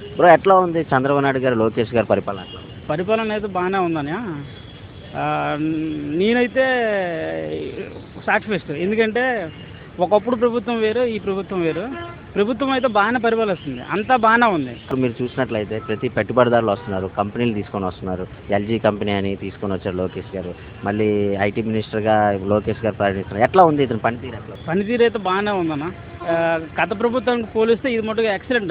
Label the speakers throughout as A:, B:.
A: Bro ఎట్లా ఉంది చంద్రబాబు నాయుడు గారు, లోకేష్ గారి పరిపాలన ఎట్లా ఉంది?
B: పరిపాలన అయితే బాగానే ఉందని నేనైతే సాటిస్ఫైస్ట్. ఎందుకంటే ఒకప్పుడు ప్రభుత్వం వేరు, ఈ ప్రభుత్వం వేరు. ప్రభుత్వం అయితే బాగానే పరిపాలిస్తుంది, అంతా బాగానే ఉంది.
A: ఇప్పుడు మీరు చూసినట్లయితే ప్రతి పెట్టుబడిదారులు వస్తున్నారు, కంపెనీలు తీసుకొని వస్తున్నారు. ఎల్జీ కంపెనీ అని తీసుకొని వచ్చారు లోకేష్ గారు. మళ్ళీ ఐటీ మినిస్టర్గా లోకేష్ గారు పర్యటిస్తున్నారు. ఎట్లా ఉంది ఇతని పనితీరు ఎట్లా ఉంది?
B: పనితీరు అయితే బాగానే ఉందన్న. గత ప్రభుత్వానికి పోలిస్తే ఇది మటుకు ఎక్సలెంట్,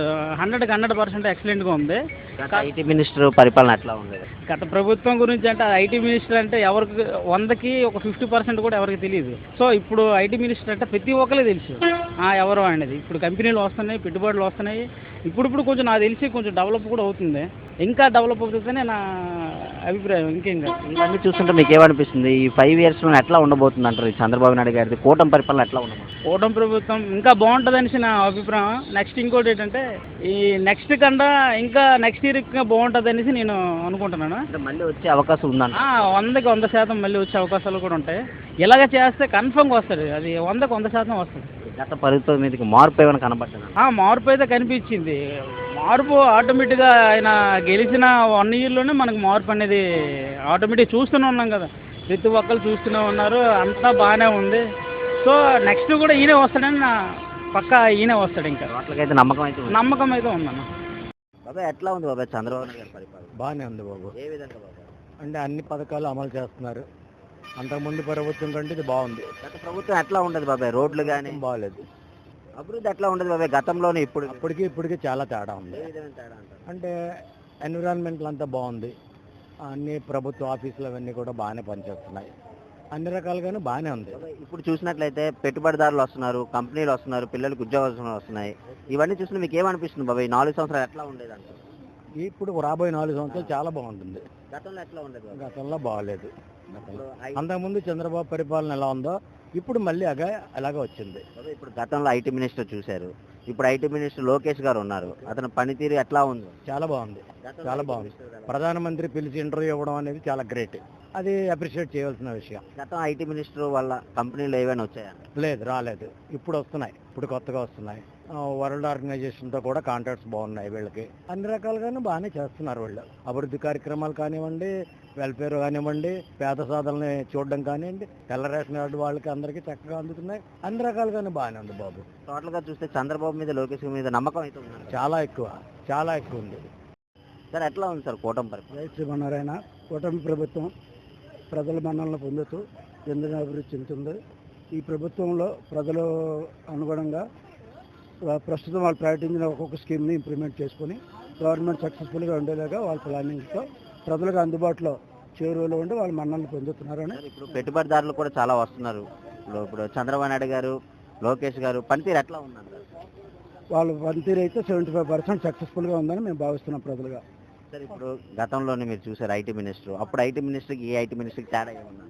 B: 100% ఎక్సలెంట్గా ఉంది.
A: గత ఐటీ మినిస్టర్ పరిపాలన ఎట్లా ఉండేది?
B: గత ప్రభుత్వం గురించి అంటే ఐటీ మినిస్టర్ అంటే ఎవరికి 100కి ఒక 50% కూడా ఎవరికి తెలియదు. సో ఇప్పుడు ఐటీ మినిస్టర్ అంటే ప్రతి ఒక్కరికి తెలుసు ఎవరు అనేది. ఇప్పుడు కంపెనీలు వస్తున్నాయి, పెట్టుబడులు వస్తున్నాయి. ఇప్పుడు కొంచెం నాకు తెలిసి కొంచెం డెవలప్ కూడా అవుతుంది. ఇంకా డెవలప్ అవుతుందనే నా అభిప్రాయం. ఇంకేం కాదు.
A: ఇవన్నీ చూస్తుంటే మీకు ఏమనిపిస్తుంది? ఈ 5 yearsలో ఎట్లా ఉండబోతుంది అంటారు? ఈ చంద్రబాబు నాయుడు గారిది కూటమి పరిపాలన ఎట్లా ఉండబోతుంది?
B: కూటమి ప్రభుత్వం ఇంకా బాగుంటుంది అనేసి నా అభిప్రాయం. నెక్స్ట్ ఇంకోటి ఏంటంటే ఈ నెక్స్ట్ కన్నా ఇంకా నెక్స్ట్ ఇయర్ ఇంకా బాగుంటుంది అనేసి నేను అనుకుంటున్నాను.
A: అంటే మళ్ళీ వచ్చే అవకాశం ఉందంట.
B: 100కి 100% మళ్ళీ వచ్చే అవకాశాలు కూడా ఉంటాయి. ఇలాగ చేస్తే కన్ఫర్మ్గా వస్తుంది, అది 100కి 100% వస్తుంది.
A: గత ప్రభుత్వం మీదకి మార్పు ఏమైనా కనబడ్డా?
B: మార్పు అయితే కనిపించింది. మార్పు ఆటోమేటిక్గా ఆయన గెలిచిన 1 yearలోనే మనకు మార్పు అనేది ఆటోమేటిక్ చూస్తూనే ఉన్నాం కదా. ప్రతి ఒక్కరు చూస్తూనే ఉన్నారు, అంతా బాగానే ఉంది. సో నెక్స్ట్ కూడా ఈయనే వస్తాడని నా పక్కా ఈయనే వస్తాడు. ఇంకా
A: వాటికైతే నమ్మకం అయితే ఉంది.
B: నమ్మకం అయితే ఉందన్న.
A: బాబాయ్ ఎట్లా ఉంది బాబాయ్ చంద్రబాబు నాయుడు గారి పరిపాలన?
C: బాగానే ఉంది బాబు.
A: ఏ విధంగా బాబాయ్?
C: అంటే అన్ని పథకాలు అమలు చేస్తున్నారు. అంతకుముందు ప్రభుత్వం కంటే ఇది బాగుంది.
A: గత ప్రభుత్వం ఎట్లా ఉండదు బాబాయ్? రోడ్లు కానీ
C: బాగాలేదు.
A: అభివృద్ధి ఎట్లా ఉండదు బాబాయ్ గతంలోనే
C: ఇప్పటికి చాలా తేడా ఉంది.
A: ఏ విధమైన తేడా అంటారు?
C: అంటే ఎన్విరాన్మెంట్లు అంతా బాగుంది. అన్ని ప్రభుత్వ ఆఫీసులు అవన్నీ కూడా బాగానే పనిచేస్తున్నాయి. అన్ని రకాలుగాను బాగానే ఉంది.
A: బాబాయ్, ఇప్పుడు చూసినట్లయితే పెట్టుబడిదారులు వస్తున్నారు, కంపెనీలు వస్తున్నారు, పిల్లలకు ఉద్యోగాలు వస్తున్నాయి. ఇవన్నీ చూసినా మీకు ఏమనిపిస్తుంది బాబాయ్? 4 సంవత్సరాలు ఎట్లా ఉండేది అంటారు?
C: ఇప్పుడు రాబోయే 4 సంవత్సరాలు చాలా బాగుంటుంది.
A: గతంలో ఎట్లా ఉండేది బాబాయ్?
C: గతంలో బాగాలేదు.
A: ఇప్పుడు
C: అంతకుముందు చంద్రబాబు పరిపాలన ఎలా ఉందో ఇప్పుడు మళ్ళీ అలాగే వచ్చింది.
A: బాబాయ్, ఇప్పుడు గతంలో ఐటీ మినిస్టర్ చూశారు, ఇప్పుడు ఐటీ మినిస్టర్ లోకేష్ గారు ఉన్నారు. అతని పనితీరు ఎట్లా ఉంది?
C: చాలా బాగుంది, చాలా బాగుంది. ప్రధానమంత్రి పిలిచి ఇంటర్వ్యూ ఇవ్వడం అనేది చాలా గ్రేట్. అది అప్రిషియేట్ చేయవలసిన విషయం.
A: గతం ఐటీ మినిస్టర్ వల్ల కంపెనీలు ఏవైనా వచ్చాయా?
C: లేదు, రాలేదు. ఇప్పుడు వస్తున్నాయి, ఇప్పుడు కొత్తగా వస్తున్నాయి. వరల్డ్ ఆర్గనైజేషన్తో కూడా కాంట్రాక్ట్స్ బాగున్నాయి వీళ్ళకి. అన్ని రకాలుగాను బాగానే చేస్తున్నారు వీళ్ళు. అభివృద్ధి కార్యక్రమాలు కానివ్వండి, వెల్ఫేర్ కానివ్వండి, పేద సాధనని చూడడం కానివ్వండి, తెల్ల రేషన్ కార్డు వాళ్ళకి అందరికీ చక్కగా అందుతున్నాయి. అన్ని రకాలుగానే బాగానే ఉంది బాబు.
A: టోటల్ గా చూస్తే చంద్రబాబు మీద, లోకేష్ మీద నమ్మకం అయితే ఉంది.
C: చాలా ఎక్కువ ఉంది.
A: సార్ ఎట్లా ఉంది సార్ కూటమి పరిపాలన?
C: జై శ్రీమన్నారాయణ. కూటమి ప్రభుత్వం ప్రజల మన్ననలు పొందుతూ ఎందుకు అభివృద్ధి చెందుతుంది. ఈ ప్రభుత్వంలో ప్రజలు అనుగుణంగా ప్రస్తుతం వాళ్ళు ప్రకటించిన ఒక్కొక్క స్కీమ్ని ఇంప్లిమెంట్ చేసుకుని గవర్నమెంట్ సక్సెస్ఫుల్గా ఉండేలాగా వాళ్ళ ప్లానింగ్తో ప్రజలకు అందుబాటులో చేరువలో ఉండి వాళ్ళు మన్ననలు పొందుతున్నారని.
A: ఇప్పుడు పెట్టుబడిదారులు కూడా చాలా వస్తున్నారు. ఇప్పుడు చంద్రబాబు నాయుడు గారు, లోకేష్ గారు పనితీరు ఎట్లా ఉందంటారు?
C: వాళ్ళ పనితీరు అయితే 75% సక్సెస్ఫుల్గా ఉందని మేము భావిస్తున్నాం ప్రజలుగా.
A: సార్ ఇప్పుడు గతంలోనే మీరు చూసారు ఐటీ మినిస్టర్, అప్పుడు ఐటీ మినిస్టర్కి ఈ ఐటీ మినిస్టర్కి తేడా ఏమన్నా?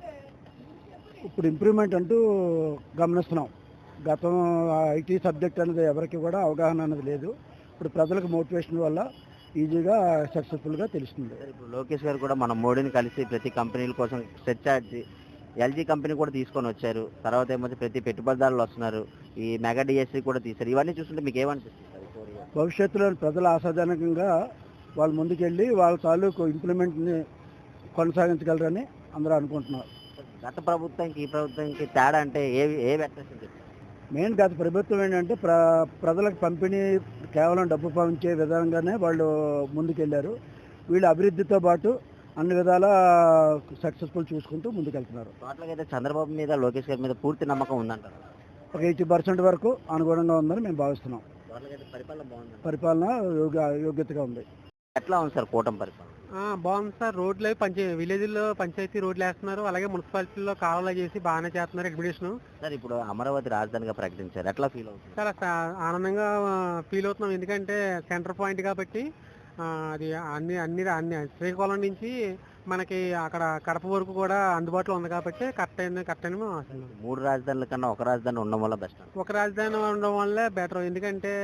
C: ఇప్పుడు ఇంప్రూవ్మెంట్ అంటూ గమనిస్తున్నాం. గతం ఐటీ సబ్జెక్ట్ అనేది ఎవరికి కూడా అవగాహన అనేది లేదు. ఇప్పుడు ప్రజలకు మోటివేషన్ వల్ల ఈజీగా సక్సెస్ఫుల్గా తెలుస్తుంది.
A: ఇప్పుడు లోకేష్ గారు కూడా మన మోడీని కలిసి ప్రతి కంపెనీల కోసం సెర్చ్ ఎల్జీ కంపెనీ కూడా తీసుకొని వచ్చారు. తర్వాత ఏమో ప్రతి పెట్టుబడిదారులు వస్తున్నారు, ఈ మెగా డిఎస్సీ కూడా తీశారు. ఇవన్నీ చూస్తుంటే మీకు ఏమనిపిస్తుంది?
C: భవిష్యత్తులో ప్రజలు ఆశాజనకంగా వాళ్ళు ముందుకెళ్ళి వాళ్ళ తాలూకు ఇంప్లిమెంట్ని కొనసాగించగలరని అందరూ అనుకుంటున్నారు.
A: గత ప్రభుత్వానికి ఈ ప్రభుత్వానికి తేడా అంటే ఏ వ్యత్యాసం చెప్తారు?
C: మెయిన్ గత ప్రభుత్వం ఏంటంటే ప్రజలకు పంపిణీ కేవలం డబ్బు పంచే విధంగానే వాళ్ళు ముందుకెళ్ళారు. వీళ్ళు అభివృద్ధితో పాటు అన్ని విధాల సక్సెస్ఫుల్ చూసుకుంటూ ముందుకెళ్తున్నారు.
A: టోటల్గా అయితే చంద్రబాబు మీద, లోకేష్ గారి మీద పూర్తి నమ్మకం ఉందంటారు?
C: ఒక 80% వరకు అనుగుణంగా ఉందని మేము భావిస్తున్నాం. పరిపాలన యోగ్యతగా ఉంది.
A: ఎట్లా ఉంది సార్ కూటమి పరిపాలన?
B: బాగుంది సార్. రోడ్లు విలేజ్లో పంచాయతీ రోడ్లు వేస్తున్నారు, అలాగే మున్సిపాలిటీలో కాలువలు చేసి బాగానే చేస్తున్నారు ఎగ్జిబిషన్.
A: సార్ ఇప్పుడు అమరావతి రాజధానిగా ప్రకటించారు, ఎట్లా ఫీల్ అవుతుంది?
B: చాలా ఆనందంగా ఫీల్ అవుతున్నాం. ఎందుకంటే సెంటర్ పాయింట్ కాబట్టి అది అన్ని శ్రీకాకుళం నుంచి మనకి అక్కడ కడప వరకు కూడా అందుబాటులో ఉంది కాబట్టి కరెక్ట్ అని మేము ఆశిస్తున్నాం.
A: 3 రాజధానుల కన్నా ఒక రాజధాని ఉండడం వల్ల బెస్ట్.
B: ఒక రాజధాని ఉండడం వల్లే బెటర్. ఎందుకంటే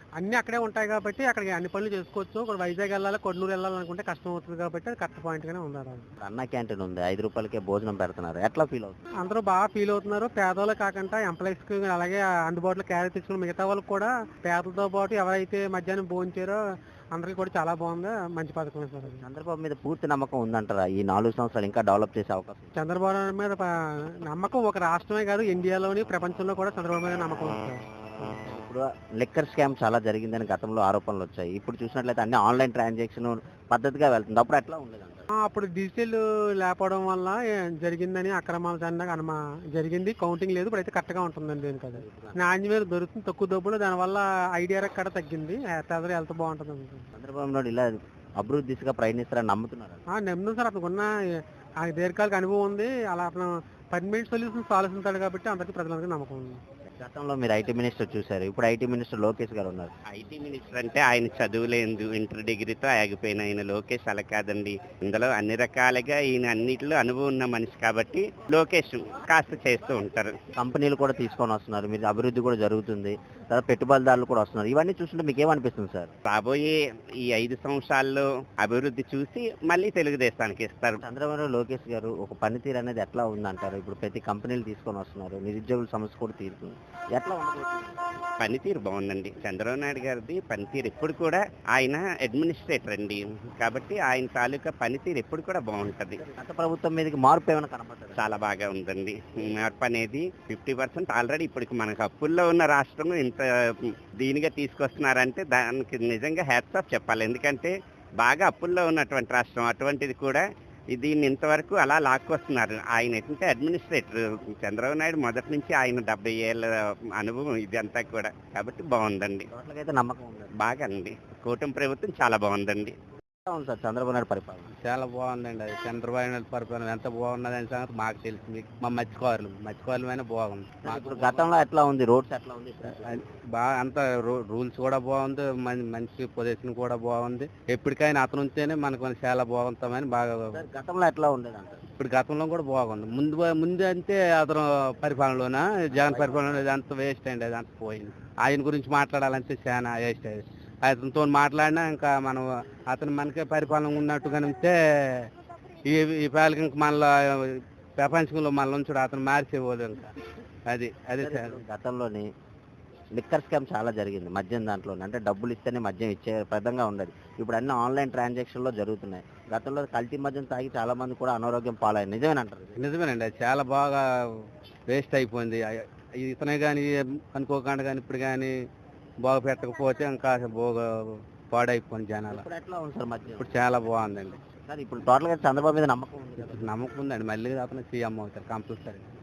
D: అన్నీ అక్కడే ఉంటాయి కాబట్టి అక్కడికి అన్ని పనులు చేసుకోవచ్చు. ఇక్కడ వైజాగ్ వెళ్ళాలి, కొన్నూరు వెళ్ళాలనుకుంటే కష్టం అవుతుంది కాబట్టి అది కరెక్ట్ పాయింట్గానే ఉన్నారు.
A: అన్న క్యాంటీన్ ఉంది, 5 రూపాయలకే భోజనం పెడుతున్నారు, ఎట్లా ఫీల్ అవుతుంది?
D: అందరూ బాగా ఫీల్ అవుతున్నారు. పేదవాళ్ళు కాకుండా ఎంప్లాయీస్కి అలాగే అందుబాటులో క్యారీ తెచ్చుకుని మిగతా వాళ్ళకి కూడా పేదలతో పాటు ఎవరైతే మధ్యాహ్నం భోంచారో అందరికీ కూడా చాలా బాగుంది. మంచి పథకమే సార్ అది.
A: చంద్రబాబు మీద పూర్తి నమ్మకం ఉందంటారా? ఈ 4 సంవత్సరాలు ఇంకా డెవలప్ చేసే అవకాశం ఉంది?
D: చంద్రబాబు నాయుడు మీద నమ్మకం ఒక రాష్ట్రమే కాదు, ఇండియాలోని ప్రపంచంలో కూడా చంద్రబాబు మీద నమ్మకం ఉంది సార్.
A: ఇప్పుడు లిక్కర్ స్కామ్ చాలా జరిగిందని గతంలో ఆరోపణలు వచ్చాయి. ఇప్పుడు చూసినట్లయితే అన్ని ఆన్లైన్ ట్రాన్సాక్షన్ పద్ధతిగా వెళ్తుంది. అప్పుడు ఎట్లా ఉండేదంట?
D: అప్పుడు డిజిటల్ లేకపోవడం వల్ల జరిగిందని అక్రమాలు జరిగింది. కౌంటింగ్ లేదు. ఇప్పుడు అయితే కరెక్ట్గా ఉంటుందండి. దీనికి అది నాణ్యమైన దొరుకుతుంది, తక్కువ డబ్బులు. దానివల్ల ఐడియా కూడా తగ్గింది. ప్రజలు హెల్త్ బాగుంటుంది.
A: చంద్రబాబు నాయుడు ఇలా అభివృద్ధి దిశగా ప్రయత్నిస్తారని నమ్ముతున్నారు?
D: నమ్ముతాం సార్. అతనికి ఉన్న దీర్ఘకాలిక అనుభవం ఉంది. అలా అతను పర్మనెంట్ సొల్యూషన్స్ ఆలోచిస్తాడు కాబట్టి అందరికీ ప్రజలందరికీ నమ్మకం ఉంది.
A: గతంలో మీరు ఐటీ మినిస్టర్ చూశారు, ఇప్పుడు ఐటీ మినిస్టర్ లోకేష్ గారు ఉన్నారు.
E: ఐటీ మినిస్టర్ అంటే ఆయన చదువులేదు, ఇంటర్ డిగ్రీతో ఆగిపోయిన ఆయన లోకేష్ అలా కాదండి. ఇందులో అన్ని రకాలుగా ఈయన అన్నిటిలో అనుభవం ఉన్న మనిషి కాబట్టి లోకేష్ కాస్త చేస్తూ ఉంటారు.
A: కంపెనీలు కూడా తీసుకొని వస్తున్నారు, మీరు అభివృద్ధి కూడా జరుగుతుంది, తర్వాత పెట్టుబడిదారులు కూడా వస్తున్నారు. ఇవన్నీ చూస్తుంటే మీకు ఏమనిపిస్తుంది సార్?
E: రాబోయే ఈ 5 సంవత్సరాల్లో అభివృద్ధి చూసి మళ్ళీ తెలుగుదేశానికి ఇస్తారు.
A: చంద్రబాబు లోకేష్ గారు ఒక పనితీరు అనేది ఎట్లా ఉందంటారు? ఇప్పుడు ప్రతి కంపెనీలు తీసుకొని వస్తున్నారు, నిరుద్యోగుల సమస్య కూడా తీరుతుంది, ఎట్లా ఉండబోతుంది?
E: పనితీరు బాగుందండి. చంద్రబాబు నాయుడు గారిది పనితీరు ఎప్పుడు కూడా, ఆయన అడ్మినిస్ట్రేటర్ అండి కాబట్టి ఆయన తాలూకా పనితీరు ఎప్పుడు కూడా బాగుంటది.
A: గత ప్రభుత్వం మీదకి మార్పు ఏమైనా కనబడుతుంది?
E: చాలా బాగా ఉందండి. మార్పు అనేది 50% ఆల్రెడీ ఇప్పటికి మనకు అప్పుల్లో ఉన్న రాష్ట్రం ఇంత దీనిగా తీసుకొస్తున్నారంటే దానికి నిజంగా హ్యాట్స్ ఆఫ్ చెప్పాలి. ఎందుకంటే బాగా అప్పుల్లో ఉన్నటువంటి రాష్ట్రం అటువంటిది కూడా దీన్ని ఇంతవరకు అలా లాక్కొస్తున్నారు. ఆయన ఏంటంటే అడ్మినిస్ట్రేటర్ చంద్రబాబు నాయుడు మొదటి నుంచి ఆయన 70 ఏళ్ళ అనుభవం ఇదంతా కూడా కాబట్టి బాగుందండి.
A: అయితే నమ్మకం ఉంది
E: బాగా అండి. కూటమి ప్రభుత్వం చాలా బాగుందండి.
A: అవును సార్, చంద్రబాబు నాయుడు పరిపాలన
B: చాలా బాగుందండి. అది చంద్రబాబు నాయుడు పరిపాలన ఎంత బాగున్నదని సంగతి మాకు తెలుసు. మీకు మా మత్స్యకారులమైనా బాగుంది.
A: ఇప్పుడు గతంలో ఎట్లా ఉంది, రోడ్స్ ఎట్లా ఉంది?
B: బాగా అంత రూల్స్ కూడా బాగుంది, మంచి పొజిషన్ కూడా బాగుంది. ఎప్పటికైనా అతను ఉంటేనే మనకు చాలా బాగుంటామని బాగా.
A: గతంలో ఎట్లా ఉండేది అంటారు?
B: ఇప్పుడు గతంలో కూడా బాగుంది. ముందు అంటే అతను పరిపాలనలోన జగన్ పరిపాలన అంత వేస్ట్ అండి. అది అంత పోయింది. ఆయన గురించి మాట్లాడాలంటే చాలా వేస్ట్. అది అతనితో మాట్లాడినా ఇంకా మనం అతను మనకే పరిపాలన ఉన్నట్టుగా ఉంటే ఈ పాలకి ఇంకా మళ్ళీ ప్రపంచంలో మళ్ళీ ఉంచుడు అతను మార్చేపోదు. ఇంకా అది
A: గతంలోని లిక్కర్ స్కామ్ చాలా జరిగింది మద్యం దాంట్లోనే, అంటే డబ్బులు ఇస్తేనే మద్యం ఇచ్చే పదంగా ఉండదు. ఇప్పుడు అన్ని ఆన్లైన్ ట్రాన్సాక్షన్లో జరుగుతున్నాయి. గతంలో కల్తీ మద్యం తాగి చాలా మంది కూడా అనారోగ్యం పాలయ్యారు. నిజమేనంటారు?
B: నిజమేనండి. అది చాలా బాగా వేస్ట్ అయిపోయింది. ఇతనే కానీ అనుకోకుండా కానీ ఇప్పుడు కానీ బాగా పెట్టకపోతే ఇంకా బాగా పాడైపోయింది జనాలు.
A: ఇప్పుడు ఎట్లా ఉంది సార్ మద్యం?
B: ఇప్పుడు చాలా బాగుందండి.
A: సార్ ఇప్పుడు టోటల్గా చంద్రబాబు మీద నమ్మకం ఉంది?
B: నమ్మకం ఉందండి. మళ్ళీ అతను సీఎం అవుతారు కంపల్సరీ.